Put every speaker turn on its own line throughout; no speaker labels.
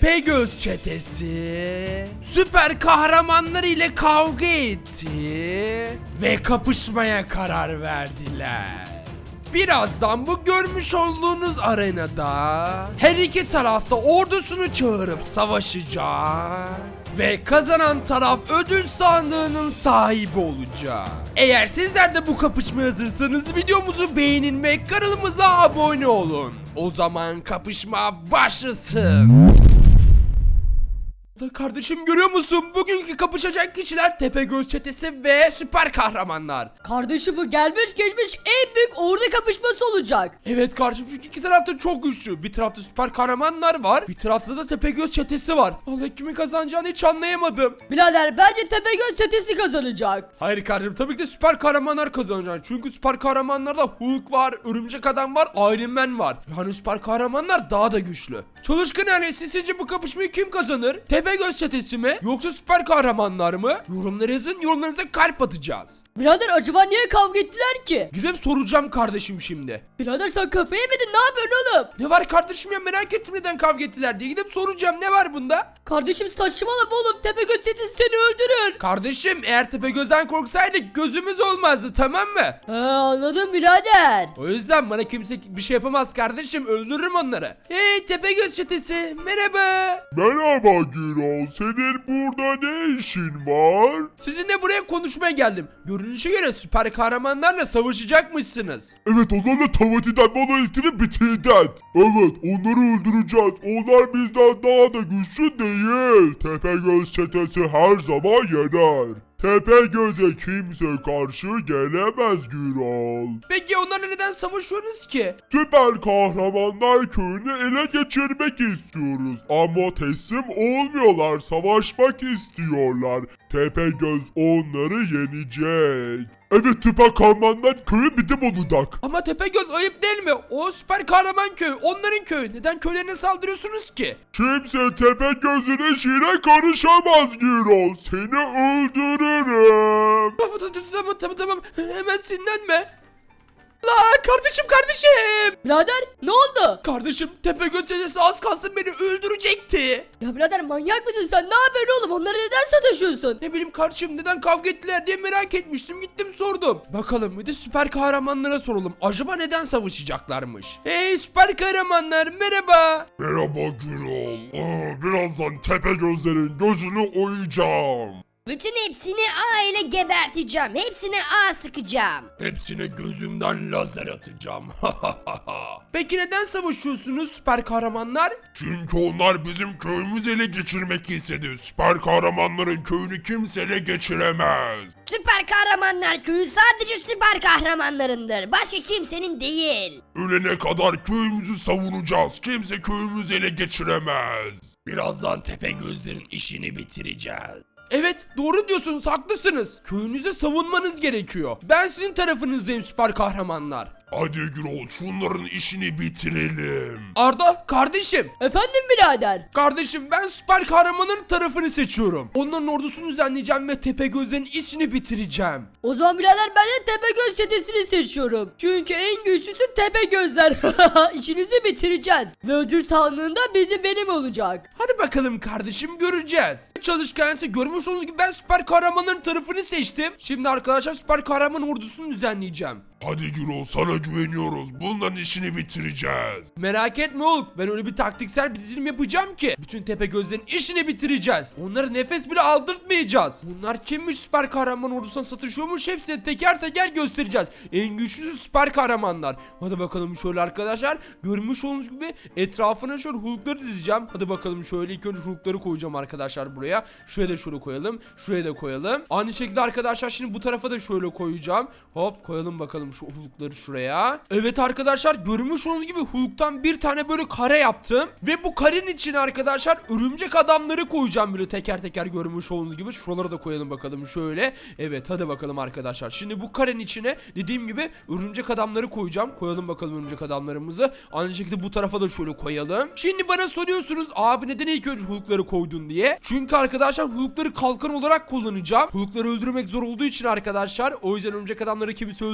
Tepegöz çetesi süper kahramanlar ile kavga etti ve kapışmaya karar verdiler. Birazdan bu görmüş olduğunuz arenada her iki tarafta ordusunu çağırıp savaşacak ve kazanan taraf ödül sandığının sahibi olacak. Eğer sizler de bu kapışmaya hazırsanız videomuzu beğenin ve kanalımıza abone olun. O zaman kapışma başlasın. Kardeşim görüyor musun? Bugünkü kapışacak kişiler Tepegöz çetesi ve süper kahramanlar.
Kardeşim bu gelmiş geçmiş en büyük ordu kapışması olacak.
Evet kardeşim, çünkü iki tarafta çok güçlü. Bir tarafta süper kahramanlar var, bir tarafta da Tepegöz çetesi var. Vallahi kimin kazanacağını hiç anlayamadım.
Birader bence Tepegöz çetesi kazanacak.
Hayır kardeşim, tabii ki de süper kahramanlar kazanacak. Çünkü süper kahramanlarda Hulk var, Örümcek Adam var, Iron Man var. Yani süper kahramanlar daha da güçlü. Çalışkan ailesi, sizce bu kapışmayı kim kazanır? Tepegöz çetesi mi? Yoksa süper kahramanlar mı? Yorumlara yazın, yorumlarınıza kalp atacağız.
Birader acaba niye kavga ettiler ki?
Gidip soracağım kardeşim şimdi.
Birader sen kafayı yemedin, ne yapıyorsun oğlum?
Ne var kardeşim ya, merak ettim neden kavga ettiler diye. Gidip soracağım, ne var bunda?
Kardeşim saçmalama oğlum, Tepegöz çetesi seni öldürür.
Kardeşim eğer Tepegöz'den korksaydık gözümüz olmazdı, tamam mı?
Anladım birader.
O yüzden bana kimse bir şey yapamaz kardeşim, öldürürüm onları. Hey Tepegöz çetesi, merhaba.
Merhaba Gürol, senin burada ne işin var?
Sizinle buraya konuşmaya geldim. Görünüşe göre süper kahramanlarla savaşacakmışsınız.
Evet, onlarla tavatiden monolitini bitirden. Evet, onları öldüreceğiz. Onlar bizden daha da güçlü değil. Tepegöz çetesi her zaman yener. Tepegöz'e kimse karşı gelemez Gürol.
Peki onlarla neden savaşıyorsunuz ki?
Süper kahramanlar köyünü ele geçirmek istiyoruz. Ama teslim olmuyorlar, savaşmak istiyorlar. Tepegöz onları yenecek. Evet, süper kahramanlar köyü bizim olacak.
Ama Tepegöz ayıp değil mi? O süper kahraman köyü, onların köyü. Neden köylerine saldırıyorsunuz ki?
Kimse Tepegöz'ün işine karışamaz Gürol. Seni öldürürüm.
Tamam. Hemen sinirlenme. La kardeşim.
Birader ne oldu?
Kardeşim Tepegöz çetesi az kalsın beni öldürecekti.
Ya birader manyak mısın sen, ne yapıyorsun oğlum, onları neden sataşıyorsun?
Ne bileyim kardeşim, neden kavga ettiler diye merak etmiştim, gittim sordum. Bakalım bir de süper kahramanlara soralım. Acaba neden savaşacaklarmış? Hey süper kahramanlar, merhaba.
Merhaba Gürol. Birazdan Tepegözlerin gözünü oyacağım.
Bütün hepsini A ile geberteceğim. Hepsine A sıkacağım.
Hepsine gözümden lazer atacağım. Peki neden savaşıyorsunuz süper kahramanlar?
Çünkü onlar bizim köyümüzü ele geçirmek istedi. Süper kahramanların köyünü kimse ele geçiremez.
Süper kahramanlar köyü sadece süper kahramanlarındır. Başka kimsenin değil.
Ölene kadar köyümüzü savunacağız. Kimse köyümüzü ele geçiremez.
Birazdan Tepegözlerin işini bitireceğiz. Evet, doğru diyorsunuz, haklısınız. Köyünüzü savunmanız gerekiyor. Ben sizin tarafınızdayım süper kahramanlar.
Hadi Gürol, şunların işini bitirelim.
Arda kardeşim.
Efendim birader?
Kardeşim ben süper kahramanın tarafını seçiyorum. Onların ordusunu düzenleyeceğim ve Tepegözlerin işini bitireceğim.
O zaman birader ben de Tepegöz çetesini seçiyorum. Çünkü en güçlüsü Tepegözler. İşinizi bitireceğiz. Ve ödül sandığında benim olacak.
Hadi bakalım kardeşim, göreceğiz. Çalışkansı görmüş olduğunuz gibi ben süper kahramanların tarafını seçtim. Şimdi arkadaşlar süper kahraman ordusunu düzenleyeceğim.
Hadi Gürol, sana güveniyoruz. Bunların işini bitireceğiz.
Merak etme oğlum, ben öyle bir taktiksel bir dizilim yapacağım ki bütün Tepegözlerin işini bitireceğiz. Onlara nefes bile aldırtmayacağız. Bunlar kimmiş, süper kahraman ordusuna satışıyormuş, hepsini teker teker göstereceğiz. En güçlüsü süper kahramanlar. Hadi bakalım şöyle arkadaşlar, görmüş olduğunuz gibi etrafına şöyle Hulk'ları dizeceğim. Hadi bakalım şöyle ilk önce Hulk'ları koyacağım arkadaşlar buraya. Şuraya da şöyle koyalım, şuraya da koyalım. Aynı şekilde arkadaşlar şimdi bu tarafa da şöyle koyacağım. Hop koyalım bakalım şu Hulk'ları şuraya. Evet arkadaşlar, görmüş olduğunuz gibi Hulk'tan bir tane böyle kare yaptım. Ve bu karenin içine arkadaşlar örümcek adamları koyacağım böyle teker teker, görmüş olduğunuz gibi. Şuralara da koyalım bakalım şöyle. Evet hadi bakalım arkadaşlar. Şimdi bu karenin içine dediğim gibi örümcek adamları koyacağım. Koyalım bakalım örümcek adamlarımızı. Aynı şekilde bu tarafa da şöyle koyalım. Şimdi bana soruyorsunuz abi neden ilk önce Hulk'ları koydun diye. Çünkü arkadaşlar Hulk'ları kalkan olarak kullanacağım. Hulk'ları öldürmek zor olduğu için arkadaşlar. O yüzden örümcek adamları kimse öldüremeyecek.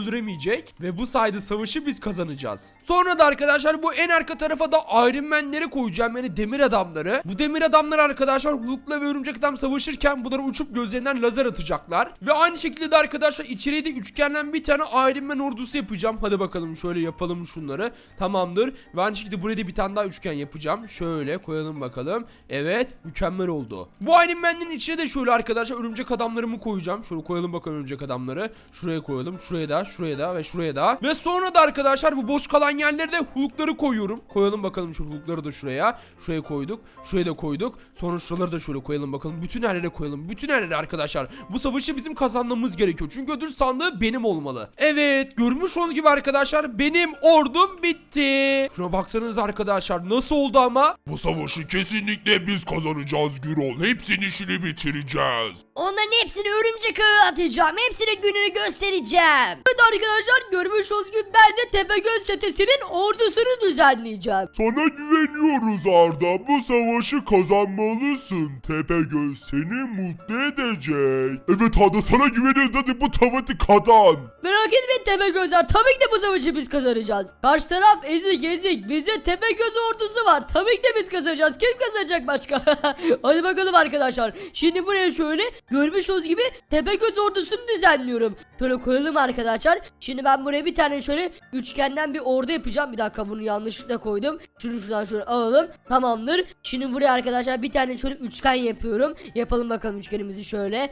gelecek ve bu sayede savaşı biz kazanacağız. Sonra da arkadaşlar bu en arka tarafa da Iron Man'leri koyacağım, yani demir adamları. Bu demir adamlar arkadaşlar Hulk'la ve Örümcek Adam savaşırken bunları uçup gözlerinden lazer atacaklar. Ve aynı şekilde de arkadaşlar içeriye de üçgenden bir tane Iron Man ordusu yapacağım. Hadi bakalım şöyle yapalım şunları. Tamamdır. Ve aynı şekilde buraya da bir tane daha üçgen yapacağım. Şöyle koyalım bakalım. Evet, mükemmel oldu. Bu Iron Man'in içine de şöyle arkadaşlar örümcek adamlarımı koyacağım. Şöyle koyalım bakalım örümcek adamları. Şuraya koyalım. Şuraya da, şuraya da ve şuraya da. Ve sonra da arkadaşlar bu boş kalan yerlere de Hulk'ları koyuyorum. Koyalım bakalım şu Hulk'ları da şuraya. Şuraya koyduk. Şuraya da koyduk. Sonra şuraları da şöyle koyalım bakalım. Bütün yerlere koyalım. Bütün yerlere arkadaşlar. Bu savaşı bizim kazanmamız gerekiyor. Çünkü ödül sandığı benim olmalı. Evet, görmüş olduğunuz gibi arkadaşlar benim ordum bitti. Şuna baksanız arkadaşlar nasıl oldu ama?
Bu savaşı kesinlikle biz kazanacağız Gürol. Hepsinin işini bitireceğiz.
Onların hepsini örümcek ağı atacağım. Hepsine gününü göstereceğim.
Evet arkadaşlar, görmüş olduğunuz gibi ben de Tepegöz çetesinin ordusunu düzenleyeceğim.
Sana güveniyoruz Arda. Bu savaşı kazanmalısın. Tepegöz seni mutlu edecek. Evet Arda, sana güveniyoruz. Hadi bu savaşı kazan.
Merak etmeyin Tepegözler, tabii ki de bu savaşı biz kazanacağız. Karşı taraf ezik ezik, bizde Tepegöz ordusu var. Tabii ki de biz kazanacağız. Kim kazanacak başka? Hadi bakalım arkadaşlar. Şimdi buraya şöyle görmüş olduğunuz gibi Tepegöz ordusunu düzenliyorum. Şöyle koyalım arkadaşlar. Şimdi ben buraya bir tane şöyle üçgenden bir ordu yapacağım. Bir dakika, bunu yanlışlıkla koydum. Şunu şuradan şöyle alalım. Tamamdır. Şimdi buraya arkadaşlar bir tane şöyle üçgen yapıyorum. Yapalım bakalım üçgenimizi şöyle.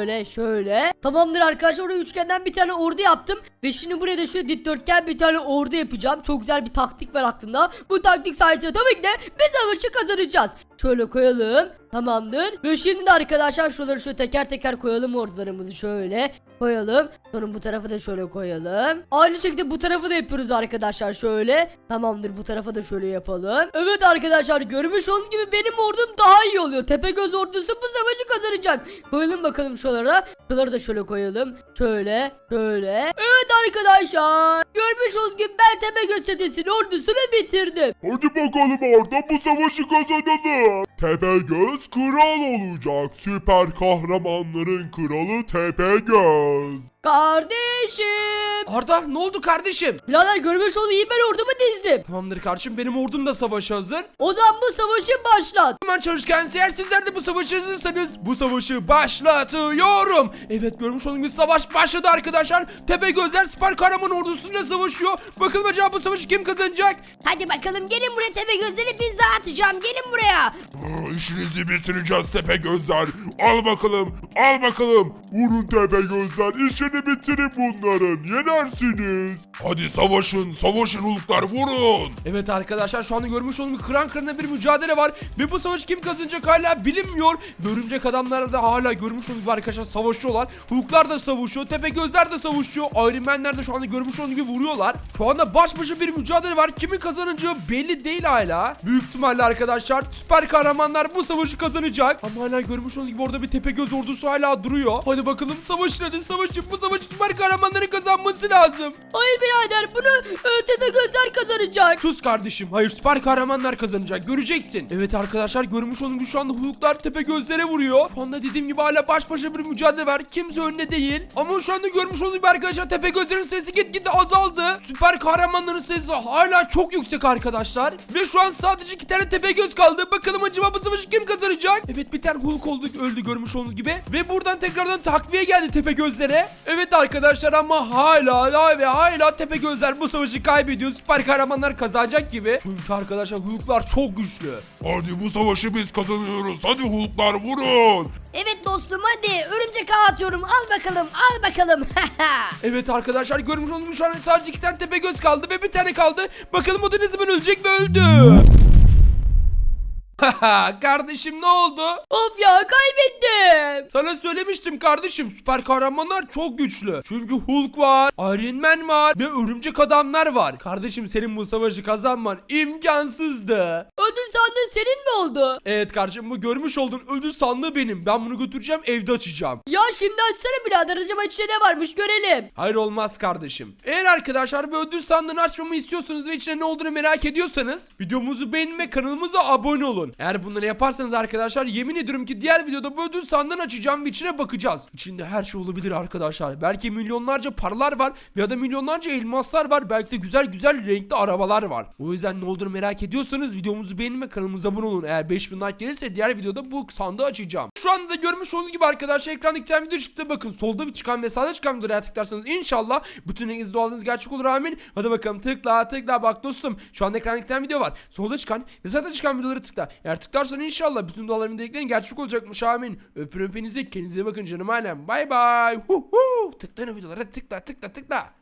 Şöyle. Tamamdır arkadaşlar, oraya üçgenden bir tane ordu yaptım. Ve şimdi buraya da şöyle dikdörtgen bir tane ordu yapacağım. Çok güzel bir taktik var aklımda. Bu taktik sayesinde tabii ki de biz savaşı kazanacağız. Şöyle koyalım. Tamamdır. Ve şimdi de arkadaşlar şuraları şöyle teker teker koyalım, ordularımızı şöyle koyalım. Sonra bu tarafı da şöyle koyalım. Aynı şekilde bu tarafı da yapıyoruz arkadaşlar şöyle. Tamamdır, bu tarafa da şöyle yapalım. Evet arkadaşlar, görmüş olduğunuz gibi benim ordum daha iyi oluyor. Tepegöz ordusu bu savaşı kazanacak. Koyalım bakalım şuralara. Şuraları da şöyle koyalım. Şöyle. Evet arkadaşlar, görmüş olduğunuz gibi ben Tepegöz çetesinin ordusunu bitirdim.
Hadi bakalım Arda, bu savaşı kazanalım. Tepegöz kral olacak. Süper kahramanların kralı Tepegöz.
Kardeşim.
Arda, ne oldu kardeşim?
Birader, görmüş olduğunuz gibi ben ordumu dizdim.
Tamamdır kardeşim, benim ordum da savaşa hazır.
O zaman bu savaşı başlat.
Hemen çalışkan, eğer sizler de bu savaşı hazırsanız bu savaşı başlatıyorum. Evet, görmüş olduğunuz gibi savaş başladı arkadaşlar. Tepegözler süper kahraman ordusuyla savaşıyor. Bakalım acaba bu savaşı kim kazanacak?
Hadi bakalım, gelin buraya, Tepegözleri pizza atacağım. Gelin buraya.
İşinizi bitireceğiz Tepegözler. Al bakalım. Vurun Tepegözler. İşini bitirin bunların. Yenersiniz. Hadi savaşın Hulklar, vurun.
Evet arkadaşlar, şu anda görmüş olduğunuz gibi kıran kırana bir mücadele var. Ve bu savaşı kim kazanacak hala bilinmiyor. Örümcek adamlar da hala görmüş olduğunuz gibi arkadaşlar savaşıyorlar. Hulklar da savaşıyor. Tepegözler de savaşıyor. Iron Man'ler de şu anda görmüş olduğunuz gibi vuruyorlar. Şu anda baş başa bir mücadele var. Kimin kazanacağı belli değil hala. Büyük ihtimalle arkadaşlar süper kahramanlar bu savaşı kazanacak. Ama hala görmüş olduğunuz gibi orada bir Tepegöz ordusu hala duruyor. Hadi bakalım, savaşın hadi savaşın. Bu savaşı süper kahramanların kazanması lazım.
Hayır birader, bunu Tepegözler kazanacak.
Sus kardeşim. Hayır, süper kahramanlar kazanacak. Göreceksin. Evet arkadaşlar, görmüş olduğunuz gibi şu anda Hulklar Tepegözlere vuruyor. Şu anda dediğim gibi hala baş başa bir mücadele var. Kimse önde değil. Ama şu anda görmüş olduğunuz gibi arkadaşlar Tepegözlerin sesi gitgide azaldı. Süper kahramanların sesi hala çok yüksek arkadaşlar. Ve şu an sadece 2 tane Tepegöz kaldı. Bakalım acaba bu savaşı kim kazanacak? Evet, bir tane Hulk öldü görmüş olduğunuz gibi. Ve buradan tekrardan takviye geldi Tepegözlere. Evet arkadaşlar, ama hala Tepegözler bu savaşı kaybediyor. Süper kahramanlar kazanacak gibi. Çünkü arkadaşlar Hulklar çok güçlü.
Hadi bu savaşı biz kazanıyoruz. Hadi Hulklar, vurun.
Evet dostum, hadi örümcek ağı atıyorum. Al bakalım.
Evet arkadaşlar, görmüş olduğunuz gibi şu an sadece 2 tane Tepegöz kaldı ve bir tane kaldı. Bakalım o da ne zaman ölecek ve öldü. Kardeşim, ne oldu?
Of ya, kaybettim.
Sana söylemiştim kardeşim, süper kahramanlar çok güçlü. Çünkü Hulk var, Iron Man var ve örümcek adamlar var. Kardeşim, senin bu savaşı kazanman imkansızdı.
Ödül sandığı senin mi oldu?
Evet kardeşim, bu görmüş olduğun ödül sandığı benim. Ben bunu götüreceğim, evde açacağım.
Ya şimdi açsana birader, acaba içinde ne varmış görelim.
Hayır, olmaz kardeşim. Eğer arkadaşlar bu ödül sandığını açmamı istiyorsanız ve içine ne olduğunu merak ediyorsanız videomuzu beğenin ve kanalımıza abone olun. olsun. Eğer bunları yaparsanız arkadaşlar yemin ediyorum ki diğer videoda bu ödül sandığını açacağım ve içine bakacağız. İçinde her şey olabilir arkadaşlar. Belki milyonlarca paralar var ya da milyonlarca elmaslar var. Belki de güzel güzel renkli arabalar var. O yüzden ne olduğunu merak ediyorsanız videomuzu beğenin ve kanalımıza abone olun. Eğer 5000 like gelirse diğer videoda bu sandığı açacağım. Şu anda da görmüş olduğunuz gibi arkadaşlar ekranda iki tane video çıktı. Bakın solda çıkan ve sağda çıkan videolara tıklarsanız inşallah bütün renginizde olduğunuz gerçek olur, amin. Hadi bakalım tıkla bak dostum. Şu anda ekranda iki tane video var. Solda çıkan ve sağda çıkan videoları tıkla. Eğer tıklarsan inşallah bütün duaların dediklerin gerçek olacakmış, amin. Öpürüm hepinizi, kendinize bakın canım alem. Bay bay. Tıklayın o videolara, tıkla.